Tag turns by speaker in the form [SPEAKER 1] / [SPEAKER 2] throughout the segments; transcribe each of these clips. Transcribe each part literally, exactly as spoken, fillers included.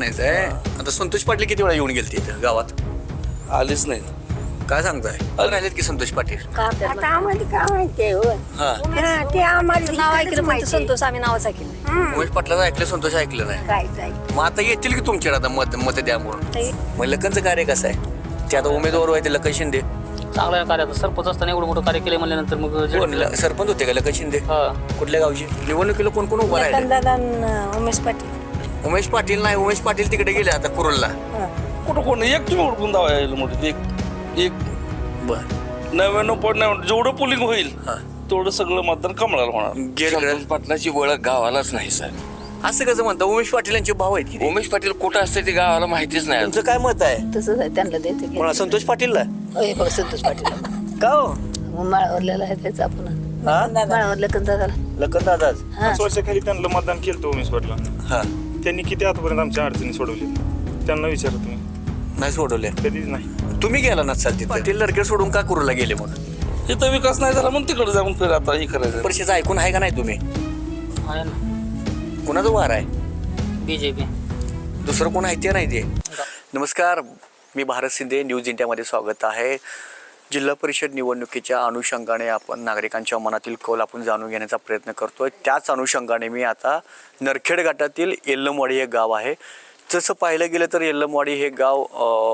[SPEAKER 1] म्हणायचं आहे, आता संतोष पाटील किती वेळा येऊन गेलते इथं गावात?
[SPEAKER 2] आलीच नाही.
[SPEAKER 1] काय सांगताय? राहिलेत की संतोष पाटील?
[SPEAKER 3] आता आम्हाला काय माहिती आहे हो?
[SPEAKER 1] हा
[SPEAKER 3] हा, ते आम्हाला
[SPEAKER 4] नाव
[SPEAKER 3] इकडंच
[SPEAKER 4] ऐकलं पण
[SPEAKER 3] माहिती आहे.
[SPEAKER 4] संतोष आम्ही नावच ऐकलं नाही.
[SPEAKER 3] हं.
[SPEAKER 1] उमेश पाटलाचं ऐकलं, संतोष ऐकलं नाही.
[SPEAKER 3] काय काय
[SPEAKER 1] मग आता येतील की तुमच्याकडे आता मत मत द्या म्हणून? मग लखनचं कार्य कसं आहे? ते आता उमेदवार आहे ते लखन शिंदे.
[SPEAKER 5] चांगलं आहे कार्य. आता सरपंच असताना एवढं मोठं कार्य केलं म्हणल्यानंतर मग
[SPEAKER 1] कोण ल- सरपंच होते का लखन शिंदे?
[SPEAKER 5] हा.
[SPEAKER 1] कुठल्या गावची? निवडणुकीला कोण कोण उभं राहिले?
[SPEAKER 4] लखनदादा आणि उमेश पाटील.
[SPEAKER 1] उमेश पाटील नाही, उमेश पाटील तिकडे गेले आता कुरुलला.
[SPEAKER 2] कुठं कोण एक तुम्ही ओळखून दावा यायला मोठी एक एक
[SPEAKER 1] बर
[SPEAKER 2] नव्याण्णव पॉईंट नव्याण्णव जेवढं पोलिंग होईल
[SPEAKER 1] हा.
[SPEAKER 2] तेवढं सगळं मतदान कमळाला होणार.
[SPEAKER 1] गेलं
[SPEAKER 6] पाटलाची ओळख गावालाच नाही सर.
[SPEAKER 1] असं कसं म्हणता? उमेश पाटील यांचे भाऊ आहेत की?
[SPEAKER 6] उमेश पाटील कुठं असते ते गावाला माहितीच नाही.
[SPEAKER 1] तुमचं काय मत आहे?
[SPEAKER 4] तसंच आहे, त्यांना द्यायचं
[SPEAKER 1] कोणा? संतोष पाटीलला?
[SPEAKER 4] होय बघ संतोष पाटील.
[SPEAKER 1] का हो?
[SPEAKER 4] माळावरलेला आहे त्याचं आपण
[SPEAKER 1] हा?
[SPEAKER 4] माळावर लखनदादाला.
[SPEAKER 1] लखन दादाच.
[SPEAKER 7] पाच वर्षाखाली त्यांना मतदान केलं उमेश पाटला.
[SPEAKER 1] हा
[SPEAKER 7] त्यांनी किती आतापर्यंत आमच्या अडचणी सोडवली त्यांना विचारा तुम्ही.
[SPEAKER 1] नाही सोडवले.
[SPEAKER 7] कधीच नाही.
[SPEAKER 1] तुम्ही गेला ना चालते पाटील लडके सोडून का कुरुला गेले मग?
[SPEAKER 2] इथं विकास नाही झाला म्हणून तिकडे जाऊन फिर आता हे करायचं.
[SPEAKER 1] परिषदेचं ऐकून आहे का नाही तुम्ही?
[SPEAKER 5] आहे ना
[SPEAKER 1] कुणाचं वार आहे?
[SPEAKER 5] B J P.
[SPEAKER 1] दुसरं कोण आहे ते नाही ते. नमस्कार, मी भारत शिंदे, न्यूज इंडियामध्ये स्वागत आहे. जिल्हा परिषद निवडणुकीच्या अनुषंगाने आपण नागरिकांच्या मनातील कौल आपण जाणून घेण्याचा प्रयत्न करतोय. त्याच अनुषंगाने मी आता नरखेड घाटातील येल्लमवाडी हे गाव आहे. जसं पाहिलं गेलं तर येल्लमवाडी हे गाव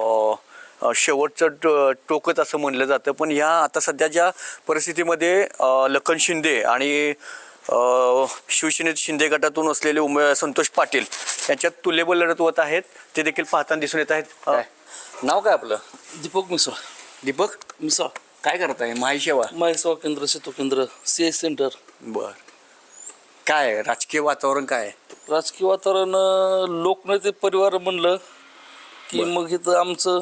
[SPEAKER 1] अ, शेवटचं टो टोकच असं म्हणलं जातं. पण ह्या आता सध्या ज्या परिस्थितीमध्ये अ, लखन शिंदे आणि शिवसेनेत शिंदे गटातून असलेले उमे संतोष पाटील यांच्यात तुल्यबळ लढत होत आहेत, ते देखील पाहताना दिसून येत आहेत. अ, नाव काय आपलं?
[SPEAKER 2] दीपक मिसळ
[SPEAKER 1] दीपक
[SPEAKER 2] मिसळ
[SPEAKER 1] काय करताय? माही सेवा.
[SPEAKER 2] माहिसेवा केंद्र सेतू केंद्र सी एस सेंटर.
[SPEAKER 1] बर, काय आहे? राजकीय वातावरण काय आहे?
[SPEAKER 2] राजकीय वातावरण अं, लोकनेते परिवार म्हणलं की मग इथं आमचं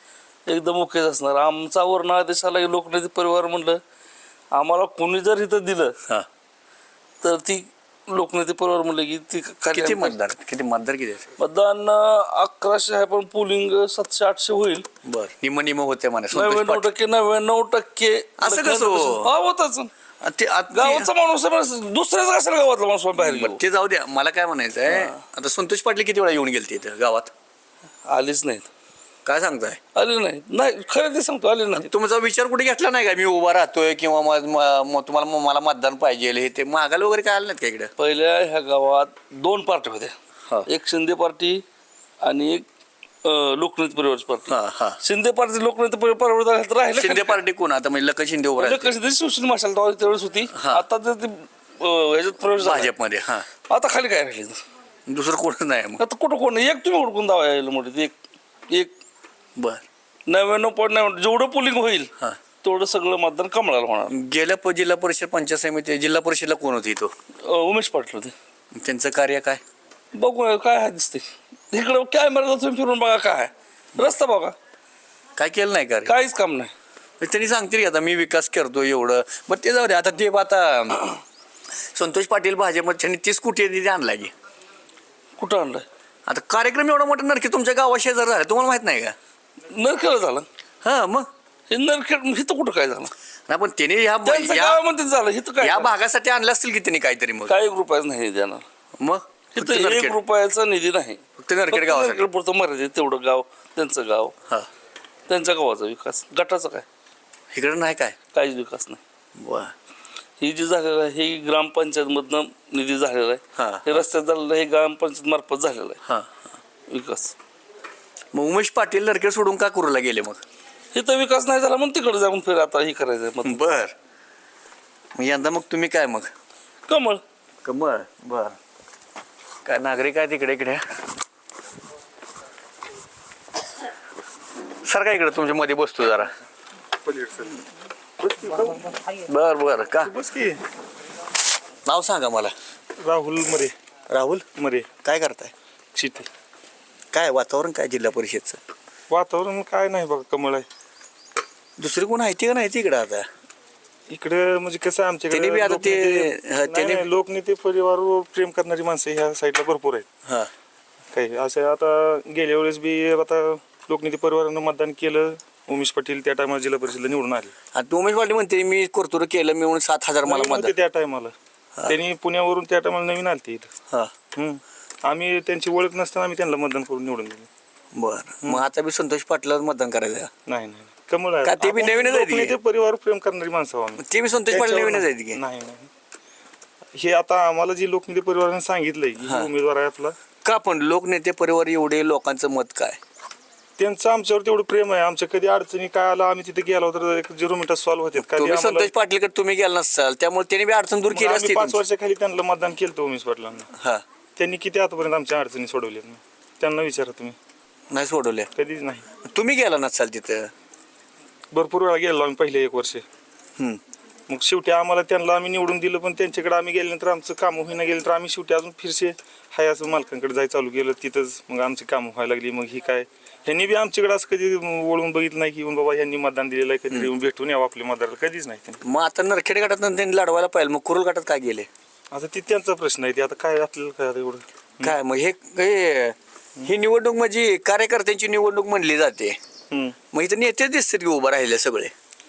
[SPEAKER 2] एकदम ओकेच असणार. आमचा वर्ण आदेश आला की लोकनेते परिवार म्हणलं आम्हाला कोणी जर इथं दिलं
[SPEAKER 1] हा.
[SPEAKER 2] तर ती लोकनेते परिवार म्हणलं की ती कार्य-
[SPEAKER 1] किती मतदार किती मतदार किती आहेत?
[SPEAKER 2] मतदान अं, अकराशे आहे पण पोलिंग सातशे आठशे होईल.
[SPEAKER 1] बर, निम निम होते म्हणा संतोष
[SPEAKER 2] नव्याण्णव
[SPEAKER 1] पाटील.
[SPEAKER 2] टक्के नव्याण्णव टक्के
[SPEAKER 1] असं कसं हो?
[SPEAKER 2] हा होतच.
[SPEAKER 1] आ, ते आ, ते-
[SPEAKER 2] गावाचा माणूस आहे, पण दुसऱ्याच कशाला गावातला माणूस बाहेर
[SPEAKER 1] बरं,
[SPEAKER 2] गेलो?
[SPEAKER 1] ते जाऊ द्या. मला काय म्हणायचं आहे, आता संतोष पाटील किती वेळा येऊन गेलते इथं गावात?
[SPEAKER 2] आलीच नाहीत.
[SPEAKER 1] काय सांगताय?
[SPEAKER 2] आले नाही नाही खरं ते सांगतो आले नाही.
[SPEAKER 1] तुमचा विचार कुठे घेतला नाही का? मी उभा राहतोय किंवा म- म- म- तुम्हाला मला मतदान पाहिजे हे ते मागायला वगैरे काय आलं नाहीत का इकडे?
[SPEAKER 2] पहिल्या ह्या गावात दोन पार्ट्या
[SPEAKER 1] हा.
[SPEAKER 2] होत्या, एक शिंदे पार्टी आणि एक अं, लोकनेते परिवारची पार्टी.
[SPEAKER 1] हा हा.
[SPEAKER 2] शिंदे पार्टी लोकनेते परिवार परिवार राहिले
[SPEAKER 1] शिंदे पार्टी कोण आता? म्हणजे लखन शिंदे उभं राहते
[SPEAKER 2] कशी शिवसेना माशाल त्यावेळेस होती.
[SPEAKER 1] हा.
[SPEAKER 2] आता तर ती अं, ह्याच्यात प्रवेश झाला.
[SPEAKER 1] भाजपमध्ये. हा,
[SPEAKER 2] आता खाली काय राहिले?
[SPEAKER 1] दुसरं कोणच नाही मग.
[SPEAKER 2] आता कुठं कोण एक तुम्ही ओळखून दावा यायला मोठी एक एक
[SPEAKER 1] बर.
[SPEAKER 2] नव्याण्णव पॉईंट नव्याण्णव जेवढं पोलिंग होईल
[SPEAKER 1] हा.
[SPEAKER 2] तेवढं सगळं मतदान कमळाला होणार.
[SPEAKER 1] गेल्या प- जिल्हा परिषद पंचायत समिती जिल्हा परिषदला कोण होती तो?
[SPEAKER 2] अं, उमेश पाटील होते.
[SPEAKER 1] त्यांचं कार्य काय?
[SPEAKER 2] बघू काय आहे दिसते इकडं काय मर्यादा तुम्ही फिरून बघा काय आहे. रस्ता बघा
[SPEAKER 1] काय केलं नाही कार्य?
[SPEAKER 2] काहीच काम नाही.
[SPEAKER 1] त्यांनी सांगतील की आता मी विकास करतो एवढं. बरं ते जाऊ दे. आता ते आता संतोष पाटील भाजपमध्ये त्यांनी तीस कोटी निधी आणला की.
[SPEAKER 2] कुठं आणलंय?
[SPEAKER 1] आता कार्यक्रम एवढा मोठा नरकी तुमच्या गावा शेजार झाला, तुम्हाला माहित नाही का?
[SPEAKER 2] नरखेड झालं
[SPEAKER 1] हा मग
[SPEAKER 2] हे नरखेड इथं कुठं काय झालं?
[SPEAKER 1] नाही पण त्याने ह्या
[SPEAKER 2] त्यांचं
[SPEAKER 1] या-
[SPEAKER 2] गावामध्ये झालं इथं काय
[SPEAKER 1] या
[SPEAKER 2] झालं?
[SPEAKER 1] भागासाठी आणलं असतील की त्यांनी काहीतरी मग.
[SPEAKER 2] काय एक रुपयाच नाही देणार
[SPEAKER 1] मग फक्त
[SPEAKER 2] इथं एक
[SPEAKER 1] नरखेड.
[SPEAKER 2] रुपयाचा निधी नाही.
[SPEAKER 1] फक्त नरखेड गावासाठी.
[SPEAKER 2] नरखेड पुरतं मर्यादित तेवढं गाव त्यांचं गाव
[SPEAKER 1] हा,
[SPEAKER 2] त्यांच्या गावाचा विकास गटाचा काय
[SPEAKER 1] इकडे नाही काय?
[SPEAKER 2] काहीच विकास नाही.
[SPEAKER 1] वा.
[SPEAKER 2] ही जी झालेलं आहे हे ग्रामपंचायत मधनं निधी झालेला
[SPEAKER 1] हा.
[SPEAKER 2] आहे. हे रस्त्यात झालेलं आहे हे ग्रामपंचायत मार्फत झालेलं आहे
[SPEAKER 1] हा.
[SPEAKER 2] विकास.
[SPEAKER 1] मग उमेश पाटील नरखेड सोडून का कुरुला गेले मग?
[SPEAKER 2] इथं विकास नाही झाला म्हणून तिकडे जाऊन फिर आता हे करायचं मग
[SPEAKER 1] बर. मग यंदा मग तुम्ही काय मग?
[SPEAKER 2] कमळ.
[SPEAKER 1] कमळ. बर. काय नागरिक आहे तिकडे इकडे सर काय इकडे तुमच्या मध्ये बसतो जरा. बर बर. का
[SPEAKER 7] बस की.
[SPEAKER 1] नाव सांगा मला.
[SPEAKER 7] राहुल मरे.
[SPEAKER 1] राहुल
[SPEAKER 7] मरे
[SPEAKER 1] काय करताय?
[SPEAKER 7] शेती.
[SPEAKER 1] काय वातावरण काय जिल्हा परिषदचं?
[SPEAKER 7] वातावरण काय नाही बघा कमळ आहे.
[SPEAKER 1] दुसरी कोण आहे ते का नाही तिकडं आता?
[SPEAKER 7] इकडे म्हणजे कसं आहे
[SPEAKER 1] त्यांनी बी आता ते-
[SPEAKER 7] लोकनेते-
[SPEAKER 1] हा,
[SPEAKER 7] नाही,
[SPEAKER 1] त्यांनी-
[SPEAKER 7] नाही, लोकनेते परिवारवर प्रेम करणारी माणसं ह्या साईडला भरपूर आहेत.
[SPEAKER 1] हा.
[SPEAKER 7] काही असं आता गेल्या वेळेस बी आता लोकनेते परिवारानं मतदान केलं. उमेश पाटील त्या टायमाला जिल्हा परिषदला निवडून आले.
[SPEAKER 1] आता उमेश पाटील म्हणते मी कर्तृत्व केलं मी म्हणून सात हजार मला
[SPEAKER 7] नवीन होते
[SPEAKER 1] मदत.
[SPEAKER 7] त्या टायमाला त्यांनी पुण्यावरून त्या टायमाला नवीन आलते इथं.
[SPEAKER 1] हा.
[SPEAKER 7] हम्म. आम्ही त्यांची ओळख नसताना आम्ही त्यांना मतदान करून निवडून दिलं.
[SPEAKER 1] बर मग आता बी संतोष पाटलाच मतदान करायचं
[SPEAKER 7] नाही नाही कमळ आहे.
[SPEAKER 1] का ते बी
[SPEAKER 7] आपण
[SPEAKER 1] नवीनच आहेत की?
[SPEAKER 7] लोकनेते परिवार प्रेम करणारी माणसं आहोत आम्ही.
[SPEAKER 1] ते बी संतोष पाटील
[SPEAKER 7] त्याच्यावर
[SPEAKER 1] नवीनच आहेत की
[SPEAKER 7] नाही नाही हे आता आम्हाला जी लोकनेते परिवाराने सांगितलंय की
[SPEAKER 1] हा.
[SPEAKER 7] ही उमेदवार आहे आपला
[SPEAKER 1] का पण लोकनेते परिवार एवढे लोकांचं मत काय
[SPEAKER 7] त्यांचं आमच्यावर तेवढं प्रेम आहे. आमच्या कधी अडचणी काय आला आम्ही तिथे गेलो तर एक झिरो मिनिटात सॉल्व्ह होते. कधी
[SPEAKER 1] तुम्ही
[SPEAKER 7] आम्हाला-
[SPEAKER 1] संतोष पाटीलकडे तुम्ही गेला नसाल त्यामुळे त्यांनी बी अडचण दूर
[SPEAKER 7] मग
[SPEAKER 1] केली
[SPEAKER 7] आम्ही
[SPEAKER 1] असती
[SPEAKER 7] पाच
[SPEAKER 1] तुमची.
[SPEAKER 7] वर्षाखाली त्यांना मतदान केलं होतं उमेश पाटलांना.
[SPEAKER 1] हा
[SPEAKER 7] त्यांनी किती आतापर्यंत आमच्या अडचणी सोडवल्यात ना त्यांना विचारा तुम्ही.
[SPEAKER 1] नाही सोडवले
[SPEAKER 7] कधीच नाही.
[SPEAKER 1] तुम्ही गेला नसाल तिथं.
[SPEAKER 7] भरपूर वेळा गेलो आम्ही पहिले एक वर्ष.
[SPEAKER 1] हम्म.
[SPEAKER 7] मग शेवटी आम्हाला त्यांना आम्ही निवडून दिलं पण त्यांच्याकडे आम्ही गेल्यानंतर आमचं काम होईना गेलं तर आम्ही शेवटी अजून फिरसे हाय असं मालकांकडे जायचं चालू केलं. तिथंच मग आमची कामं व्हायला लागली. मग ही काय ह्यांनी बी आमच्याकडे असं कधी वळून बघितलं नाही की बाबा ह्यांनी मतदान दिलेलं आहे कधी येऊन भेटून यावं आपल्या मतदाराला कधीच नाही त्यांनी.
[SPEAKER 1] मग आता नरखेड गटात त्यांनी लढवायला पाहिजे मग कुरुल गटात काय गेले
[SPEAKER 7] आता ती त्यांचा प्रश्न आहे ते आता काय आपल्याला काय आता एवढं.
[SPEAKER 1] काय मग हे हे- ही निवडणूक म्हणजे कार्यकर्त्यांची निवडणूक म्हणली जाते.
[SPEAKER 7] हम्म.
[SPEAKER 1] मग इथं नेते दिसतात की उभं राहिले सगळे.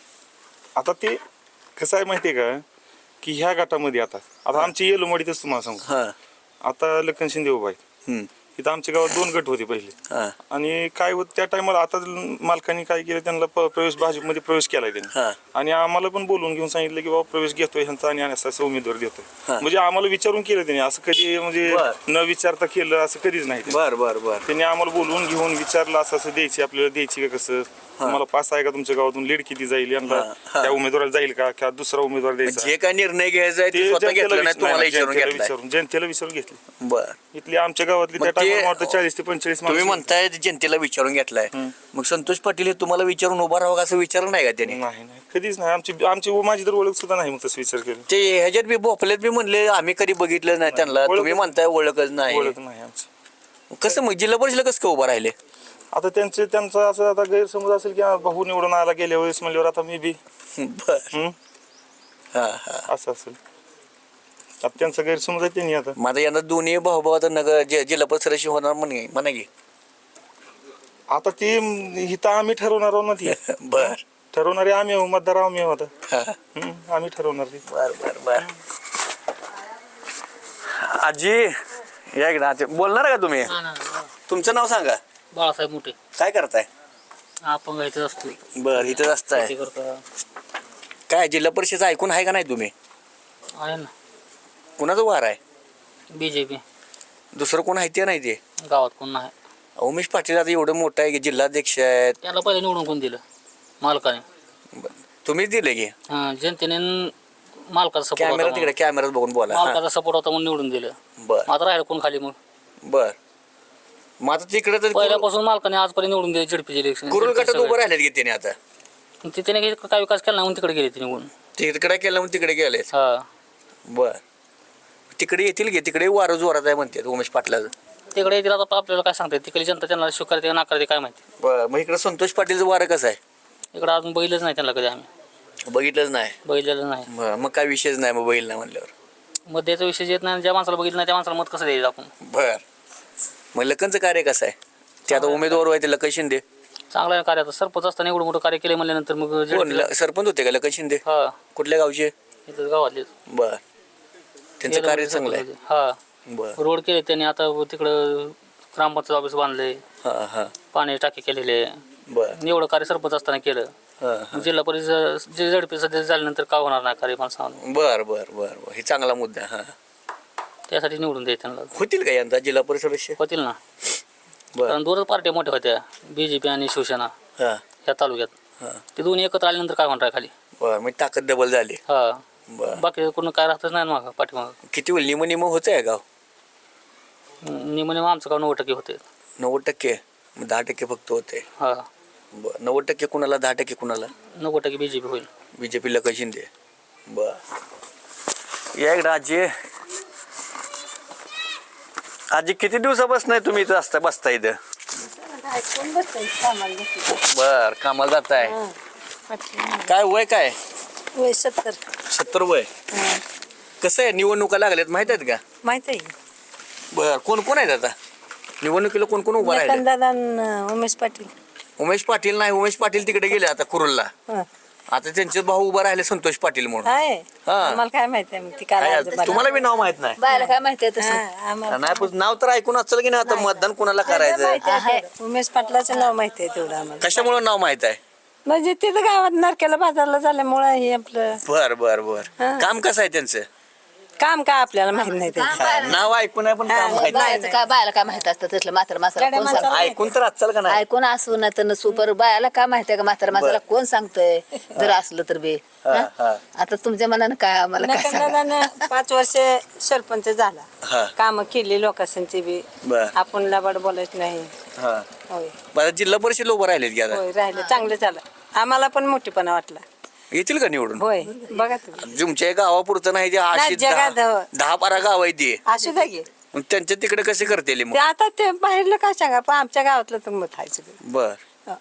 [SPEAKER 7] आता ते कसं आहे माहितीये का की ह्या गटामध्ये आता आता आमची येलोमडीतच तुम्हाला सांगू
[SPEAKER 1] हा
[SPEAKER 7] आता लखन शिंदे उभा आहे.
[SPEAKER 1] हम्म.
[SPEAKER 7] इथं आमच्या गावात दोन गट होते पहिले
[SPEAKER 1] हा
[SPEAKER 7] आणि काय होत त्या टायमाला आता मालकांनी काय केलं त्यांना प- प्रवेश भाजपमध्ये प्रवेश केलाय त्यांनी
[SPEAKER 1] हा
[SPEAKER 7] आणि आम्हाला पण बोलून घेऊन सांगितलं की बाबा प्रवेश घेतोय ह्यांचा आणि असं असं उमेदवार देतोय.
[SPEAKER 1] हा.
[SPEAKER 7] म्हणजे आम्हाला विचारून केलं त्यांनी असं कधी म्हणजे
[SPEAKER 1] बर.
[SPEAKER 7] न विचारता केलं असं कधीच नाही त्यांनी.
[SPEAKER 1] बर बर बर
[SPEAKER 7] त्यांनी आम्हाला बोलवून घेऊन विचारलं असं असं द्यायची आपल्याला द्यायची का कसं तुम्हाला पास आहे का तुमच्या गावातून लीड किती जाईल यांना
[SPEAKER 1] हा, हा.
[SPEAKER 7] त्या उमेदवाराला जाईल का किंवा दुसरा उमेदवार द्यायचा
[SPEAKER 1] जे काय निर्णय घ्यायचा आहे ते
[SPEAKER 7] ते
[SPEAKER 1] स्वतः
[SPEAKER 7] जनतेला
[SPEAKER 1] घेतलं नाही
[SPEAKER 7] विच-
[SPEAKER 1] तुम्हाला
[SPEAKER 7] नाही,
[SPEAKER 1] विचारून
[SPEAKER 7] जनतेला
[SPEAKER 1] घेतलाय.
[SPEAKER 7] विचारून जनतेला विचारून घेतली.
[SPEAKER 1] बर
[SPEAKER 7] इथली आमच्या गावातली
[SPEAKER 1] मग
[SPEAKER 7] त्या
[SPEAKER 1] ते-
[SPEAKER 7] टायमाला वाटतं चाळीस ते पंचेचाळीस
[SPEAKER 1] तुम्ही
[SPEAKER 7] माणसं.
[SPEAKER 1] म्हणताय जनतेला विचारून घेतलाय मग संतोष पाटील हे तुम्हाला विचारून उभा राहावं असं विचारलं नाही का त्यांनी.
[SPEAKER 7] नाही नाही कधीच नाही आमची आमची माझी तर ओळख सुद्धा नाही मग तसं विचार केला.
[SPEAKER 1] ते ह्याच्यात बी भोपल्यात बी म्हणले आम्ही कधी बघितलं नाही त्यांना
[SPEAKER 7] ओळख-
[SPEAKER 1] तुम्ही म्हणताय ओळखच नाही
[SPEAKER 7] ओळख नाही आमची.
[SPEAKER 1] कसं मग जिल्हा परिषदेला कसं काय उभा राहिले.
[SPEAKER 7] आता त्यांचे त्यांचा असं आता गैरसमज असेल की हा भाऊ निवडून आला गेल्या वेळेस म्हणल्यावर आता मी बी
[SPEAKER 1] बर
[SPEAKER 7] हम्म,
[SPEAKER 1] हा हा
[SPEAKER 7] असं असेल आता त्यांचा गैरसमज आहे त्यांनी आता
[SPEAKER 1] माझा यंदा दोन्ही भाऊ भाऊ आता नगर जि- जिल्हा परिषदेशी होणार म्हणे म्हणा की.
[SPEAKER 7] आता ती इथं आम्ही ठरवणार आहोत ना ती
[SPEAKER 1] बर
[SPEAKER 7] ठरवणारे आम्ही आहोत मतदार आम्ही आहोत आता.
[SPEAKER 1] हा
[SPEAKER 7] हम्म, आम्ही ठरवणार ती.
[SPEAKER 1] बर बर बर आजी या इकडे आजी. बोलणार का तुम्ही तुमचं नाव सांगा
[SPEAKER 5] बाळासाहेब मोठे
[SPEAKER 1] काय करताय.
[SPEAKER 5] आपण घ्यायचं असतो
[SPEAKER 1] बर इथंच असताय
[SPEAKER 5] शेती करता
[SPEAKER 1] काय जिल्हा परिषद ऐकून आहे का नाही तुम्ही
[SPEAKER 5] आहे ना
[SPEAKER 1] कुणाचं वार आहे
[SPEAKER 5] बी जे पी
[SPEAKER 1] दुसरं कोण आहे ते नाही ते
[SPEAKER 5] गावात कोण नाही
[SPEAKER 1] उमेश पाटील आता एवढं मोठं आहे की जिल्हाध्यक्ष आहेत.
[SPEAKER 5] त्याला पहिले निवडून कोण दिलं मालकाने
[SPEAKER 1] बरं. तुम्हीच दिले की
[SPEAKER 5] हां जनतेने मालकाचा सपोर्ट
[SPEAKER 1] कॅमेरा
[SPEAKER 5] होता
[SPEAKER 1] तिकडे कॅमेरात बघून बोला
[SPEAKER 5] म्हणून.
[SPEAKER 1] हा.
[SPEAKER 5] मालकाचा सपोर्ट होता म्हणून निवडून दिलं
[SPEAKER 1] बर
[SPEAKER 5] आता राहिलं कोण खाली मग
[SPEAKER 1] बर मग आता तिकडे तर कुरुल-
[SPEAKER 5] पहिल्यापासून मालकाने आजपर्यंत निवडून दिले झडपीचे इलेक्शन
[SPEAKER 1] कुरुल गटात उभं राहिलेत की त्याने आता
[SPEAKER 5] त्याने काही काय विकास केला नाही म्हणून तिकडे गेले ते निवडून
[SPEAKER 1] तिकडे केलं म्हणून तिकडे गेले
[SPEAKER 5] हा
[SPEAKER 1] बर तिकडे येतील की तिकडे वारं जोरात आहे म्हणतात उमेश पाटलाचं.
[SPEAKER 5] तिकडे येतील आता आपल्याला काय सांगतात तिकडे जनता त्यांना स्वीकारते का नाकारते काय माहिती
[SPEAKER 1] बर मग इकडे संतोष पाटीलचं वारं कसं आहे
[SPEAKER 5] इकडे अजून बघितलंच नाही त्यांना कधी आम्ही
[SPEAKER 1] बघितलंच नाही.
[SPEAKER 5] बघितलेलं नाही
[SPEAKER 1] बरं मग काय विषयच नाही मग बघितलं नाही म्हणल्यावर.
[SPEAKER 5] मत द्यायचा विषय येत नाही ज्या माणसाला बघितलं नाही त्या माणसाला मत कसं द्यायचं आपण
[SPEAKER 1] बर मग लखनचं कार्य कसं आहे ते आता उमेदवार आहे ते लखन शिंदे
[SPEAKER 5] चांगलं आहे कार्य आता सरपंच असताना एवढं मोठं कार्य केलं म्हणल्यानंतर मग
[SPEAKER 1] कोण
[SPEAKER 5] झडपीला-
[SPEAKER 1] ल- सरपंच होते का लखन शिंदे
[SPEAKER 5] हा
[SPEAKER 1] कुठल्या गावचे.
[SPEAKER 5] इथं गावातले
[SPEAKER 1] बर त्यांचं कार्य चांगलं आहे.
[SPEAKER 5] हा
[SPEAKER 1] बर
[SPEAKER 5] रोड केले त्यांनी आता तिकडं ग्रामपंचायत ऑफिस बांधले
[SPEAKER 1] हा हा
[SPEAKER 5] पाणी टाकी केलेले
[SPEAKER 1] बर
[SPEAKER 5] एवढं कार्य सरपंच असताना केलं
[SPEAKER 1] हा हा
[SPEAKER 5] जिल्हा परिषद जे झडपी सध्या झाल्यानंतर का होणार नाही कार्य मला सांग
[SPEAKER 1] बर बर बर बर हे चांगला मुद्दा आहे. हा
[SPEAKER 5] त्यासाठी निवडून द्यायचं त्यांना
[SPEAKER 1] होतील का यंदा जिल्हा परिषद सदस्य.
[SPEAKER 5] होतील ना
[SPEAKER 1] बर
[SPEAKER 5] कारण दोनच पार्ट्या मोठ्या होत्या बी जे पी आणि शिवसेना
[SPEAKER 1] हा
[SPEAKER 5] या तालुक्यात
[SPEAKER 1] हा
[SPEAKER 5] ते दोन्ही एकत्र आल्यानंतर काय होणार आहे खाली
[SPEAKER 1] बर मग ताकद डबल झाली.
[SPEAKER 5] हा
[SPEAKER 1] बर
[SPEAKER 5] बाकी कोण काय राहतच नाही मागं पाठीमागं
[SPEAKER 1] किती होईल निम निम होत आहे गाव.
[SPEAKER 5] निम निम आमचं गाव नव्वद टक्के होते
[SPEAKER 1] नव्वद टक्के मग दहा टक्के फक्त होते.
[SPEAKER 5] हा
[SPEAKER 1] बर नव्वद टक्के कुणाला दहा टक्के कुणाला
[SPEAKER 5] नव्वद टक्के बी जे पी होईल
[SPEAKER 1] बीजेपी लखन शिंदे. बर या इकडं आजी आजी किती दिवसापासून तुम्ही इथं असता बसता इथं.
[SPEAKER 3] कोण बसतंय कामाला बसतंय.
[SPEAKER 1] बर कामाला जाताय काय वय काय
[SPEAKER 3] वय सत्तर
[SPEAKER 1] सत्तर वय. कसं आहे निवडणुका लागल्यात माहित आहेत का.
[SPEAKER 3] माहित आहे
[SPEAKER 1] बर कोण कोण आहेत आता निवडणुकीला कोण कोण उभा राहिले.
[SPEAKER 3] दादा उमेश पाटील
[SPEAKER 1] उमेश पाटील नाही उमेश पाटील तिकडे गेले आता कुरुलला.
[SPEAKER 3] हा.
[SPEAKER 1] आता त्यांचे भाऊ उभं राहिले संतोष पाटील म्हणून
[SPEAKER 3] आहे
[SPEAKER 1] हा.
[SPEAKER 3] आम्हाला काय माहिती आहे मग ती काय
[SPEAKER 1] काय
[SPEAKER 3] अर्ज भरला.
[SPEAKER 1] तुम्हाला बी नाव माहित नाही
[SPEAKER 4] बायला काय माहिती आहे तसं
[SPEAKER 3] हा, आम्हाला
[SPEAKER 1] नाही पण नाव तर ऐकून असेल की नाही आता मतदान कुणाला करायचं
[SPEAKER 3] माहिती आहे तेवढं. उमेश पाटलाचं नाव माहिती आहे तेवढं आम्हाला
[SPEAKER 1] कशामुळे नाव माहित आहे
[SPEAKER 3] म्हणजे तिथं गावात नरकेला बाजारला झाल्यामुळं हे आपलं
[SPEAKER 1] बर बर बर
[SPEAKER 3] हा.
[SPEAKER 1] काम कसं आहे त्यांचं
[SPEAKER 3] काम काय आपल्याला माहित नाही त्याचं.
[SPEAKER 1] हा, नाव ऐकून आहे पण काम माहित नाही.
[SPEAKER 4] बायाचं काय बायाला काय माहित असतं तसलं म्हातारा माणसाला
[SPEAKER 3] गड्या
[SPEAKER 4] कोण
[SPEAKER 3] माणसाला
[SPEAKER 4] सांगतं
[SPEAKER 1] ऐकून तर असेल का नाही
[SPEAKER 4] ऐकून असू ना तर नसू पर बायाला काय माहिती आहे का म्हातारा माणसाला कोण सांगतंय जर असलं तर बे
[SPEAKER 1] हा,
[SPEAKER 4] हा?
[SPEAKER 1] हा.
[SPEAKER 4] आता तुमच्या मनानं काय आम्हाला काय सांगा
[SPEAKER 3] नकंदानं पाच वर्ष सरपंच
[SPEAKER 1] हा.
[SPEAKER 3] झाला काम केली लोकांची बी
[SPEAKER 1] बर.
[SPEAKER 3] आपण लबाड बोलायच नाही
[SPEAKER 1] हा
[SPEAKER 3] होय
[SPEAKER 1] बरं जिल्हा परिषद उभं राहिलेत की आता
[SPEAKER 3] होय राहिलं चांगलं झालं आम्हाला पण मोठेपणा वाटला
[SPEAKER 1] येतील का निवडून
[SPEAKER 3] होय बघा तुम्ही
[SPEAKER 1] तुमच्या गावापुरतं नाही जे अशी
[SPEAKER 3] नाही, जगात
[SPEAKER 1] दहा
[SPEAKER 3] हो.
[SPEAKER 1] दहा बारा गाव आहे ती
[SPEAKER 3] असू द्या की
[SPEAKER 1] मग त्यांच्या तिकडे कसे करतील मग
[SPEAKER 3] ते आता ते बाहेरलं काय सांगा पण आमच्या गावातलं तर मत आहे सगळं
[SPEAKER 1] बर
[SPEAKER 3] हा.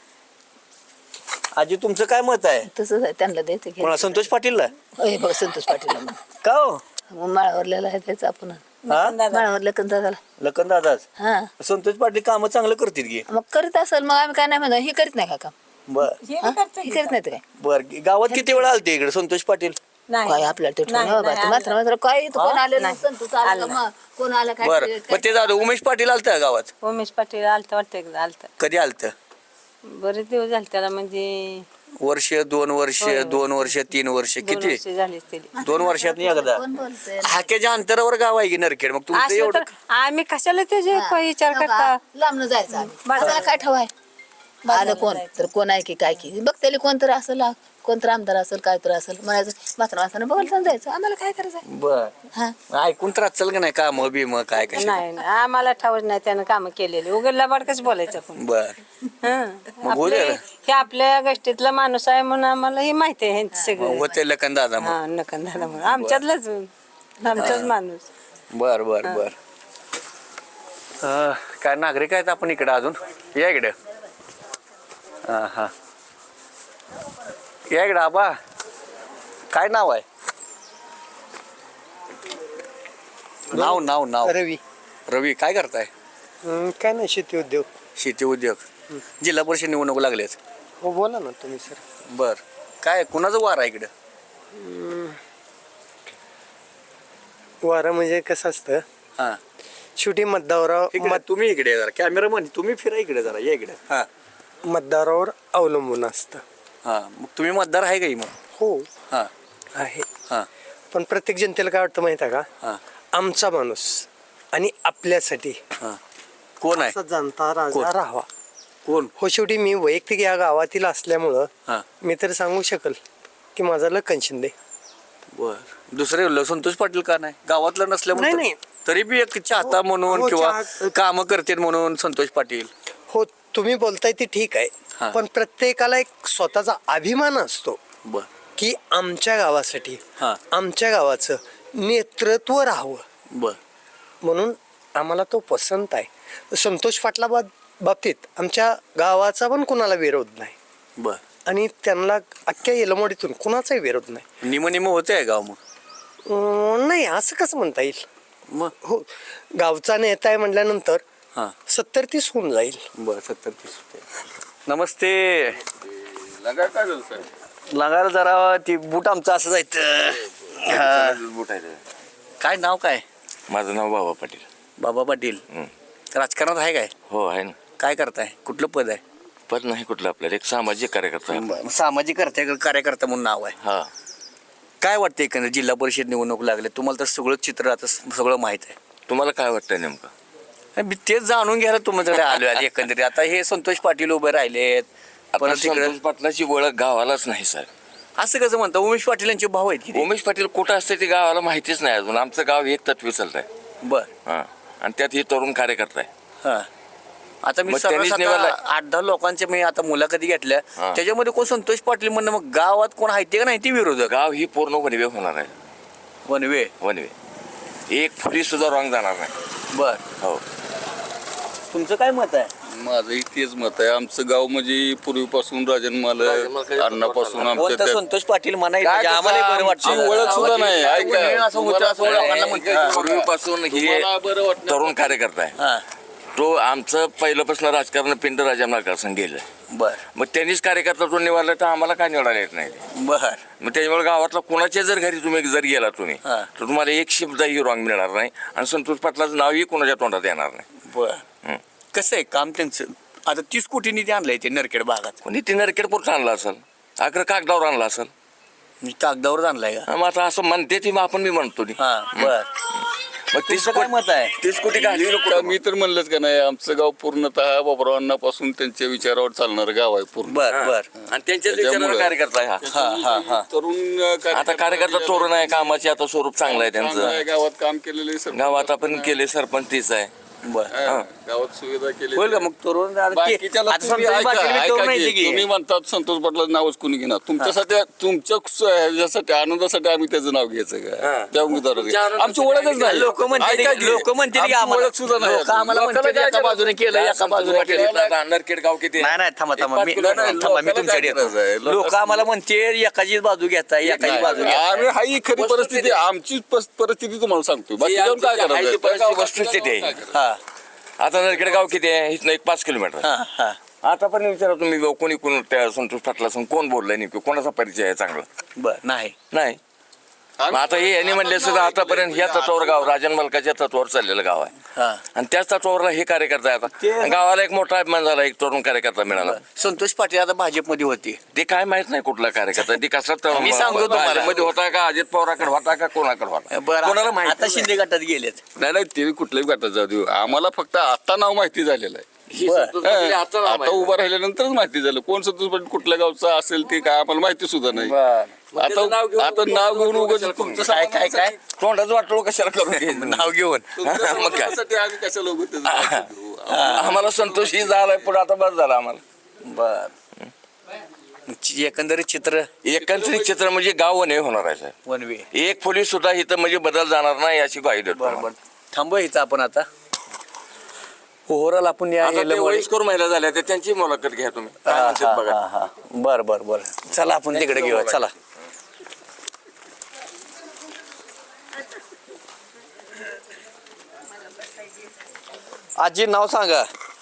[SPEAKER 1] आजी तुमचं काय मत आहे
[SPEAKER 4] तसंच आहे त्यांना द्यायचं घे
[SPEAKER 1] कोणा संतोष पाटीलला
[SPEAKER 4] होय बघ संतोष पाटील
[SPEAKER 1] का हो
[SPEAKER 4] मग माळावरलेला आहे त्याचं आपण
[SPEAKER 1] हा
[SPEAKER 4] माळावरल्या कंदा झाला
[SPEAKER 1] लखन दादाच
[SPEAKER 4] हा
[SPEAKER 1] संतोष पाटील कामं चांगलं करतील की
[SPEAKER 4] मग करीत असेल मग आम्ही काय नाही म्हणतो ही करीत नाही का काम
[SPEAKER 1] बर
[SPEAKER 3] हे
[SPEAKER 4] हा?
[SPEAKER 3] बी करतो
[SPEAKER 4] ही
[SPEAKER 3] की.
[SPEAKER 4] करीत नाही काय
[SPEAKER 1] बर गावात किती वेळा आलते इकडे संतोष पाटील
[SPEAKER 3] नाही
[SPEAKER 4] काय आपल्याला ते
[SPEAKER 3] नाही,
[SPEAKER 4] ठेवणं
[SPEAKER 3] नाही,
[SPEAKER 4] मात्र मात्र काय इथं कोण आलेलं
[SPEAKER 3] नाही.
[SPEAKER 4] संतोष आला का
[SPEAKER 3] आलं
[SPEAKER 4] मग कोण आलं काय
[SPEAKER 1] बर
[SPEAKER 4] काय-
[SPEAKER 1] मग ते झालं उमेश पाटील आलत गावात
[SPEAKER 3] उमेश पाटील आलतं वाटतं एकदा आलतं
[SPEAKER 1] कधी आलत
[SPEAKER 3] बरेच दिवस झाले त्याला म्हणजे
[SPEAKER 1] वर्ष दोन वर्ष
[SPEAKER 3] होय, होय.
[SPEAKER 1] दोन वर्ष तीन वर्ष
[SPEAKER 3] दोन
[SPEAKER 1] किती
[SPEAKER 3] वर्ष झालीच त्याला
[SPEAKER 1] दोन वर्षात एकदा
[SPEAKER 4] कोण बोलतंय
[SPEAKER 1] हाक्याच्या अंतरावर गाव आहे की नरखेड मग तुमचं
[SPEAKER 3] असलं
[SPEAKER 1] एवढं
[SPEAKER 3] तर आम्ही कशाला त्याचे काही विचार करता
[SPEAKER 4] लांबन जायचं आम्ही
[SPEAKER 3] बरं.
[SPEAKER 4] आपल्याला काय ठेवाय आलं कोण तर कोण आहे की काय की बघ त्याला कोण तर असेल कोण तर आमदार असेल काय तर असेल म्हणायचं मात्र माणसानं बघायला जायचं आम्हाला काय करायचं
[SPEAKER 1] बर
[SPEAKER 4] हा
[SPEAKER 1] ऐकून तर असेल का नाही काम बिम काय कशा
[SPEAKER 3] नाही नाही, आम्हाला ठाऊच नाही त्यानं कामं केलेली उघडला बाडकच बोलायचं आपण
[SPEAKER 1] बर
[SPEAKER 3] हं.
[SPEAKER 1] मग होऊ
[SPEAKER 3] आपले-
[SPEAKER 1] द्या.
[SPEAKER 3] हे आपल्या गोष्टीतला माणूस आहे म्हणून आम्हाला हे माहिती आहे ह्यांचं सगळं
[SPEAKER 1] होते लखन दादा मग
[SPEAKER 3] हा नकन झाला म्हणून आमच्यातलाच आमचाच माणूस
[SPEAKER 1] बर बर बर अं, काय नागरिक आहेत आपण इकडे अजून या इकडे हा हा या इकडे आबा काय नाव आहे नाव नाव नाव
[SPEAKER 8] रवी
[SPEAKER 1] रवी काय करताय
[SPEAKER 8] हं, काय नाही शेती उद्योग
[SPEAKER 1] शेती उद्योग जिल्हा परिषद निवडणूक लागलेत
[SPEAKER 8] हो बोला ना तुम्ही सर
[SPEAKER 1] बर काय कुणाचं वार आहे इकडं
[SPEAKER 8] वारं म्हणजे कसं असतं
[SPEAKER 1] हा
[SPEAKER 8] शेवटी मतदारावर
[SPEAKER 1] इकडे
[SPEAKER 8] मत
[SPEAKER 1] तुम्ही इकडे या जरा कॅमेरा मध्ये तुम्ही फिरा इकडे जरा या इकडे हा
[SPEAKER 8] मतदारावर अवलंबून असतं
[SPEAKER 1] हा मग तुम्ही मतदार आहे का मग
[SPEAKER 8] हो
[SPEAKER 1] हा
[SPEAKER 8] आहे
[SPEAKER 1] हा
[SPEAKER 8] पण प्रत्येक जनतेला काय वाटतं माहिती आहे का
[SPEAKER 1] हा
[SPEAKER 8] आमचा माणूस आणि आपल्यासाठी
[SPEAKER 1] हा कोण आहे
[SPEAKER 8] असा जनता
[SPEAKER 1] कोण?
[SPEAKER 8] राजा राहावा
[SPEAKER 1] कोण
[SPEAKER 8] हो शेवटी मी वैयक्तिक या गावातील असल्यामुळं
[SPEAKER 1] हा
[SPEAKER 8] मी तर सांगू शकल की माझा लखन शिंदे
[SPEAKER 1] बर दुसरे ल- संतोष पाटील का नाही गावातलं नसल्यामुळे
[SPEAKER 8] नाही,
[SPEAKER 1] तर- तरी बी एक चाहता म्हणून
[SPEAKER 8] हो,
[SPEAKER 1] किंवा
[SPEAKER 8] चाहत-
[SPEAKER 1] काम करते म्हणून संतोष पाटील
[SPEAKER 8] हो तुम्ही बोलताय ते ठीक
[SPEAKER 1] हा.
[SPEAKER 8] आहे पण प्रत्येकाला एक स्वतःचा अभिमान असतो
[SPEAKER 1] बर
[SPEAKER 8] की आमच्या गावासाठी
[SPEAKER 1] हा.
[SPEAKER 8] आमच्या गावाचं नेतृत्व राहावं
[SPEAKER 1] बर
[SPEAKER 8] म्हणून आम्हाला तो पसंत आहे संतोष पाटला बाब- बाबतीत आमच्या गावाचा पण कुणाला विरोध नाही
[SPEAKER 1] बर
[SPEAKER 8] आणि त्यांना अख्ख्या येलमोडीतून कुणाचाही विरोध नाही
[SPEAKER 1] निम निम होते गाव मग
[SPEAKER 8] अं, नाही असं कसं म्हणता येईल
[SPEAKER 1] मग
[SPEAKER 8] हो गावचा नेता आहे म्हटल्यानंतर
[SPEAKER 1] हा
[SPEAKER 8] सत्तर तीस होऊन जाईल
[SPEAKER 1] बर सत्तर तीस रुपये नमस्ते लागायला जरा ती बूट आमचं असं जायचं काय नाव काय
[SPEAKER 6] माझं नाव बाबा पाटील
[SPEAKER 1] बाबा पाटील
[SPEAKER 6] हं.
[SPEAKER 1] राजकारणात आहे काय
[SPEAKER 6] हो आहे ना
[SPEAKER 1] काय करताय कुठलं पद आहे
[SPEAKER 6] पद नाही कुठलं आपल्याला एक सामाजिक कार्यकर्ता आहे.
[SPEAKER 1] बरं, सामाजिक कर्ते कार्यकर्ता म्हणून नाव आहे
[SPEAKER 6] हा
[SPEAKER 1] काय वाटतं एकंदर जिल्हा परिषद निवडणूक लागले तुम्हाला तर सगळं चित्र आता स- सगळं माहित आहे
[SPEAKER 6] तुम्हाला काय वाटतंय नेमकं
[SPEAKER 1] आणि मी तेच जाणून घ्यायला तुमच्याकडे आलो आहे एकंदरीत आता हे संतोष पाटील उभे राहिलेत
[SPEAKER 6] आता
[SPEAKER 1] परत तिकडे
[SPEAKER 6] संतोष पाटलाची ओळख गावालाच नाही सर
[SPEAKER 1] असं कसं म्हणता उमेश पाटील यांचे भाऊ आहेत की
[SPEAKER 6] उमेश पाटील कुठं असते ते गावाला माहितीच नाही अजून आमचं गाव एक तत्वी चालत आहे
[SPEAKER 1] बर
[SPEAKER 6] हा आणि त्यात हे तरुण कार्यकर्ता आहे
[SPEAKER 1] हा आता मी
[SPEAKER 6] मग त्यांनीच
[SPEAKER 1] सर्रास आता
[SPEAKER 6] निवडलं.
[SPEAKER 1] आठ दहा लोकांच्या मी आता मुलाखती घेतल्या
[SPEAKER 6] हा.
[SPEAKER 1] त्याच्यामध्ये कोण संतोष पाटील म्हणणं मग गावात कोण आहे ते का नाही ते विरोधक
[SPEAKER 6] गाव ही पूर्ण वनवे होणार आहे
[SPEAKER 1] वनवे
[SPEAKER 6] वनवे एक फुली सुद्धा रॉंग जाणार नाही
[SPEAKER 1] बर
[SPEAKER 6] हो
[SPEAKER 1] तुमचं काय मत आहे
[SPEAKER 9] माझंही तेच मत आहे आमचं गाव म्हणजे पूर्वीपासून राजन मालक अण्णापासून आमच्या
[SPEAKER 1] बोलता
[SPEAKER 9] त्या-
[SPEAKER 1] संतोष पाटील म्हणायला
[SPEAKER 6] काय
[SPEAKER 1] म्हणजे आम्हाला बरं
[SPEAKER 9] आमची
[SPEAKER 1] वाटतं
[SPEAKER 9] ओळख सुद्धा नाही ऐका
[SPEAKER 1] असं होतं असं लोकांना म्हणतात
[SPEAKER 6] पूर्वीपासून हे
[SPEAKER 9] तुम्हाला बरं वाटणार
[SPEAKER 6] तरुण कार्यकर्ता आहे
[SPEAKER 1] हा
[SPEAKER 6] तो आमचं पहिल्यापासून राजकारण पिंड राजा मालकासन गेलं.
[SPEAKER 1] बर
[SPEAKER 6] मग त्यांनीच कार्यकर्ता तो निवडला तर आम्हाला काय निवडायला येत नाही ते.
[SPEAKER 1] बर
[SPEAKER 6] मग त्याच्यामुळे गावातला कोणाच्या जर घरी तुम्ही जर गेला तुम्ही
[SPEAKER 1] हा.
[SPEAKER 6] तर तुम्हाला एक शब्दही रॉंग मिळणार नाही आणि संतोष पाटलाचं नावही कोणाच्या तोंडात येणार नाही.
[SPEAKER 1] बर
[SPEAKER 6] हं.
[SPEAKER 1] कसं आहे काम त्यांचं आता तीस कोटी निधी आणलाय ते नरखेड भागात
[SPEAKER 6] कोणी ते नरकेडपूरचं आणला असेल अगर कागदावर आणला असेल.
[SPEAKER 1] म्हणजे कागदावर आणलाय का
[SPEAKER 6] मग आता असं म्हणते ती मग आपण मी म्हणतो ती.
[SPEAKER 1] हा बर
[SPEAKER 6] मग तीस
[SPEAKER 1] तुमचं काय मत आहे?
[SPEAKER 6] तीस कोटी घालवी
[SPEAKER 9] का मी तर म्हणलंच का नाही आमचं गाव पूर्णतः बाबरावांपासून त्यांच्या विचारावर चालणारं गाव आहे पूर्ण.
[SPEAKER 1] बर बर
[SPEAKER 6] आणि त्यांच्याच विचाराला
[SPEAKER 9] त्याच्यामुळं-
[SPEAKER 6] कार्यकर्ता आहे हा.
[SPEAKER 1] हा हा हा
[SPEAKER 9] तरुण अं,
[SPEAKER 6] आता कार्यकर्ता तोरण आहे कामाचे आता स्वरूप चांगलं आहे
[SPEAKER 9] चांगलं आहे,
[SPEAKER 6] त्यांचं.
[SPEAKER 9] गावात काम केलेले सरपंच
[SPEAKER 6] गावात आपण केले सरपंच तीच आहे.
[SPEAKER 1] बर
[SPEAKER 9] हा, गावात सुविधा केली
[SPEAKER 1] होईल का मग तरुण आता ते-
[SPEAKER 9] बाकीच्याला
[SPEAKER 1] आता
[SPEAKER 9] तुम्ही
[SPEAKER 1] संतोष
[SPEAKER 9] ऐका-
[SPEAKER 1] पाटील बी तरुण
[SPEAKER 9] ऐका
[SPEAKER 1] आहे
[SPEAKER 9] की,
[SPEAKER 1] की.
[SPEAKER 9] तुम्ही म्हणतात संतोष पाटलाचं नावच कुणी घेणार तुमच्यासाठी तुमच्या स- ह्याच्यासाठी आनंदासाठी आम्ही त्याचं नाव घ्यायचं का त्या उमेदवाराचं आमची ओळखच नाही
[SPEAKER 1] लोक म्हणतील
[SPEAKER 9] ऐका की,
[SPEAKER 1] लोक म्हणतील की
[SPEAKER 9] आमची
[SPEAKER 1] आम्हाला
[SPEAKER 9] ओळख सुद्धा नाही
[SPEAKER 1] लोकं आम्हाला
[SPEAKER 9] लोकांना
[SPEAKER 1] म्हणतील
[SPEAKER 9] काय
[SPEAKER 1] एका बाजूने केलं एका
[SPEAKER 6] संतोष
[SPEAKER 1] बाजूने
[SPEAKER 6] पाटील
[SPEAKER 1] केलं
[SPEAKER 6] आता नरखेड गाव किती आहे?
[SPEAKER 1] नाही नाही थांबा थांबा
[SPEAKER 6] पाच
[SPEAKER 1] मी
[SPEAKER 6] किलो नाही,
[SPEAKER 1] थांबा मी
[SPEAKER 9] लोकांना
[SPEAKER 1] तुमच्याकडे
[SPEAKER 9] काय करायचं आहे?
[SPEAKER 1] येतो
[SPEAKER 9] लोक-
[SPEAKER 1] लोक आम्हाला म्हणते एकाचीच बाजू घेता एकाची बाजू घेता
[SPEAKER 9] आम्ही हा ही खरी परिस्थिती आमची पस- परिस्थिती तुम्हाला सांगतो बाकी जाऊन काय
[SPEAKER 6] आमची- आमची परिस्थिती
[SPEAKER 9] करायचं
[SPEAKER 6] वस्तुस्थिती आहे.
[SPEAKER 1] हा
[SPEAKER 6] आता नरखेड गाव किती आहे इथनं एक पाच किलोमीटर.
[SPEAKER 1] हा हा
[SPEAKER 6] आता पण विचारा तुम्ही कोणी कोण त्या संतोष पाटला कोण बोललाय नेमकं कोणाचा परिचय आहे चांगला
[SPEAKER 1] बर नाही
[SPEAKER 6] नाही. मग आता हे यांनी म्हणले सुद्धा आतापर्यंत ह्या तत्वावर गाव राजन मालकाच्या तत्वावर चाललेलं गाव आहे
[SPEAKER 1] हा
[SPEAKER 6] आणि त्याच तत्वावरला हे कार्यकर्ता आहे
[SPEAKER 1] ते-
[SPEAKER 6] आता गावाला एक मोठा अभिमान झाला एक तरुण कार्यकर्ता मिळाला.
[SPEAKER 1] संतोष पाटील आता भाजपमध्ये होते
[SPEAKER 6] ते काय माहित नाही कुठला कार्यकर्ता ती कसला
[SPEAKER 1] मी सांगतो तुम्हाला.
[SPEAKER 6] मध्ये होता का अजित पवाराकडे होता का कोणाकडे होता कोणाला
[SPEAKER 1] बरं
[SPEAKER 6] माहित
[SPEAKER 1] आता शिंदे गटात गेलेत
[SPEAKER 9] नाही नाही ते कुठल्याही गटात जाऊ देऊ आम्हाला फक्त आता नाव माहिती झालेलं आहे
[SPEAKER 6] नाही. आता नाव
[SPEAKER 9] आता
[SPEAKER 6] माहित.
[SPEAKER 9] उभं राहिल्यानंतरच माहिती झालं कोण संतोष पाटील कुठल्या गावचा असेल ते काय आम्हाला माहिती सुद्धा नाही आता आता नाव घेऊन उगाच तुमचं
[SPEAKER 1] काय काय काय
[SPEAKER 6] तोंडाचं वाटलो कशाला करून घे.
[SPEAKER 1] नाव घेऊन
[SPEAKER 6] मग काय
[SPEAKER 9] तुमच्यासाठी आम्ही कशाला उगाच त्याचं नाव घेऊ?
[SPEAKER 6] आम्हाला संतोष ही झालाय पुढे आता बस झाला आम्हाला.
[SPEAKER 1] बर एकंदरीत चित्र
[SPEAKER 6] एकंदरीत चित्र म्हणजे गाव नाही होणार आहे साहेब.
[SPEAKER 1] वन वे
[SPEAKER 6] एक पोलीस सुद्धा इथं म्हणजे बदल जाणार नाही याची ग्वाही देतो
[SPEAKER 1] बर बर थांबू इथं आपण आता ओव्हरऑल आपण या
[SPEAKER 6] आता ते
[SPEAKER 1] एलमवाडी-
[SPEAKER 6] वयस्कर महिला झाल्या त्या त्यांची मुलाखत घ्या तुम्ही
[SPEAKER 1] हा,
[SPEAKER 6] काय म्हणतात
[SPEAKER 1] हा,
[SPEAKER 6] बघा.
[SPEAKER 1] हा, हा. बर बर बर चला आपण तिकडे घेऊया चला आजी नाव सांगा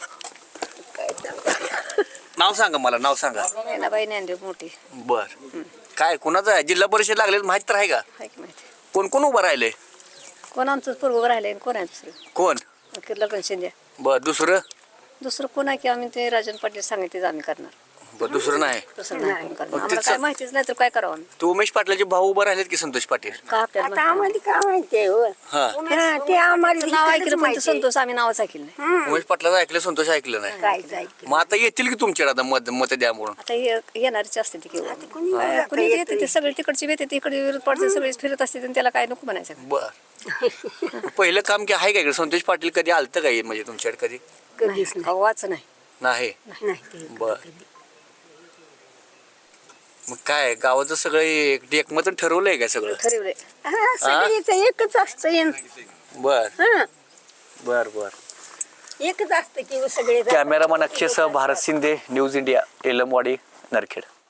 [SPEAKER 1] नाव सांगा मला नाव सांगा
[SPEAKER 3] बाई ज्ञानदेव मोठी
[SPEAKER 1] बर काय कोणाचं आहे जिल्हा परिषद लागले माहित तर आहे का
[SPEAKER 3] आहे की माहिती
[SPEAKER 1] कोण कोण उभं राहिले
[SPEAKER 3] कोण आमचं पूर्व राहिले कोण आहे दुसरं
[SPEAKER 1] कोण
[SPEAKER 3] किर्ला शिंदे
[SPEAKER 1] बर दुसरं
[SPEAKER 3] दुसरं कोण आहे की आम्ही ते राजन पाटील सांगितले आम्ही करणार
[SPEAKER 1] बर दुसरं नाही
[SPEAKER 3] दुसरं नाही आपण करणार
[SPEAKER 1] मग
[SPEAKER 3] आम्हाला
[SPEAKER 1] तिचं-
[SPEAKER 3] काय माहितीच नाही तर काय करावं आम्ही
[SPEAKER 1] तू उमेश पाटलाचे भाऊ उभं राहिलेत की संतोष पाटील
[SPEAKER 3] का आपल्याला
[SPEAKER 10] आता
[SPEAKER 3] माहिती
[SPEAKER 10] आम्हाला काय माहितीये हो
[SPEAKER 1] हा
[SPEAKER 10] हा, ते आम्हाला
[SPEAKER 3] नाव
[SPEAKER 10] इकडंच
[SPEAKER 3] ऐकलं पण
[SPEAKER 10] माहिती
[SPEAKER 3] ते संतोष आम्ही नावच ऐकलं नाही
[SPEAKER 1] उमेश पाटलाचं ऐकलं संतोष ऐकलं नाही
[SPEAKER 10] काय जायचं
[SPEAKER 1] मग आता येतील की तुमच्याकडे आता मत मत द्या म्हणून
[SPEAKER 3] आता हे येणारच असते ती किंवा
[SPEAKER 10] कोणी
[SPEAKER 3] कुणी येते ते सगळे तिकडचे येते तिकडे विरोध पडते सगळे फिरत असते आणि त्याला काय नको म्हणायचं
[SPEAKER 1] बर पहिलं काम की आहे का इकडे संतोष पाटील कधी आलतं का हे म्हणजे तुमच्याकडे कधी
[SPEAKER 10] कधीच नाही.
[SPEAKER 3] हवाच नाही
[SPEAKER 1] नाही
[SPEAKER 10] नाही ते
[SPEAKER 1] बर मग काय गावाचं सगळं एक एकमत ठरवलंय का सगळं
[SPEAKER 3] ठरवले
[SPEAKER 10] हा, सगळीच एकच असतं
[SPEAKER 1] बर
[SPEAKER 10] हा,
[SPEAKER 1] बर बर
[SPEAKER 10] एकच असतं की सगळे
[SPEAKER 1] कॅमेरामन अक्षयसह भारत शिंदे न्यूज इंडिया एलमवाडी नरखेड